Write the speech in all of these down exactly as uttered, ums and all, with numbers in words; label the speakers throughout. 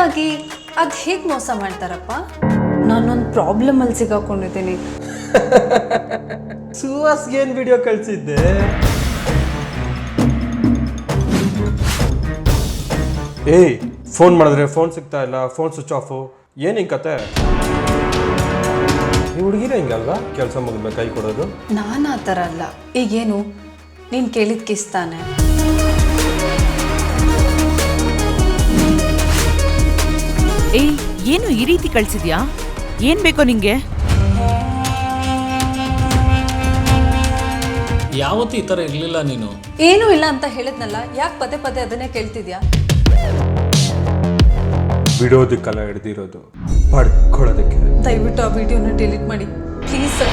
Speaker 1: ಆಗಿ ಅದು ಹೇಗೆ ಮೋಸ ಮಾಡ್ತಾರಪ್ಪ? ನಾನೊಂದು ಪ್ರಾಬ್ಲಮಲ್ಲಿ ಸಿಗಾಕೊಂಡಿದ್ದೀನಿ.
Speaker 2: ಸುಹಾಸ್ಗೆ ಏನು ವಿಡಿಯೋ ಕಳಿಸಿದ್ದೆ? ಏಯ್, ಫೋನ್ ಮಾಡಿದ್ರೆ ಫೋನ್ ಸಿಗ್ತಾ ಇಲ್ಲ, ಫೋನ್ ಸ್ವಿಚ್ ಆಫು, ಏನು ಹಿಂಗೆ ಕತೆ? ಈ ಹುಡುಗಿರ ಹಿಂಗಲ್ವಾ ಕೆಲಸ ಮುಗಿದ್ಮೇಲೆ ಕೈ ಕೊಡೋದು?
Speaker 1: ನಾನು ಆ ಥರ ಅಲ್ಲ. ಈಗೇನು ನೀನು ಕೇಳಿದ ಕಿಸ್ತಾನೆ.
Speaker 3: ಏಯ್, ಏನು ಈ ರೀತಿ ಕಳ್ಸಿದ್ಯಾ? ಏನ್ ಬೇಕೋ ನಿಂಗೆ?
Speaker 4: ಯಾವತ್ತೂ ಈ ಥರ ಇರಲಿಲ್ಲ ನೀನು.
Speaker 1: ಏನೂ ಇಲ್ಲ ಅಂತ ಹೇಳಿದ್ನಲ್ಲ, ಯಾಕೆ ಪದೇ ಪದೇ ಅದನ್ನೇ ಕೇಳ್ತಿದ್ಯಾ?
Speaker 2: ಬಿಡೋದಕ್ಕೆಲ್ಲ ಹಿಡ್ದಿರೋದು, ಪಡ್ಕೊಳ್ಳೋದಕ್ಕೆ.
Speaker 1: ದಯವಿಟ್ಟು ಆ ವಿಡಿಯೋನ ಡಿಲೀಟ್ ಮಾಡಿ ಪ್ಲೀಸ್ ಸರ್.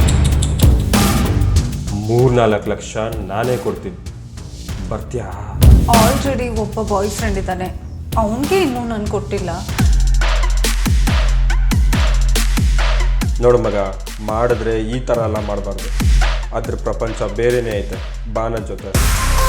Speaker 2: ಮೂರ್ನಾಲ್ಕು ಲಕ್ಷ ನಾನೇ ಕೊಡ್ತೀನಿ, ಬರ್ತೀಯಾ?
Speaker 1: ಆಲ್ರೆಡಿ ಒಬ್ಬ ಬಾಯ್ ಫ್ರೆಂಡ್ ಇದ್ದಾನೆ, ಅವನಿಗೆ ಇನ್ನೂ ನಾನು ಕೊಟ್ಟಿಲ್ಲ.
Speaker 2: ನೋಡು ಮಗ, ಮಾಡಿದ್ರೆ ಈ ಥರ ಎಲ್ಲ ಮಾಡಬಾರ್ದು. ಅದ್ರ ಪ್ರಪಂಚ ಬೇರೆನೇ ಐತೆ, ಬಾ ನನ್ನ ಜೊತೆ.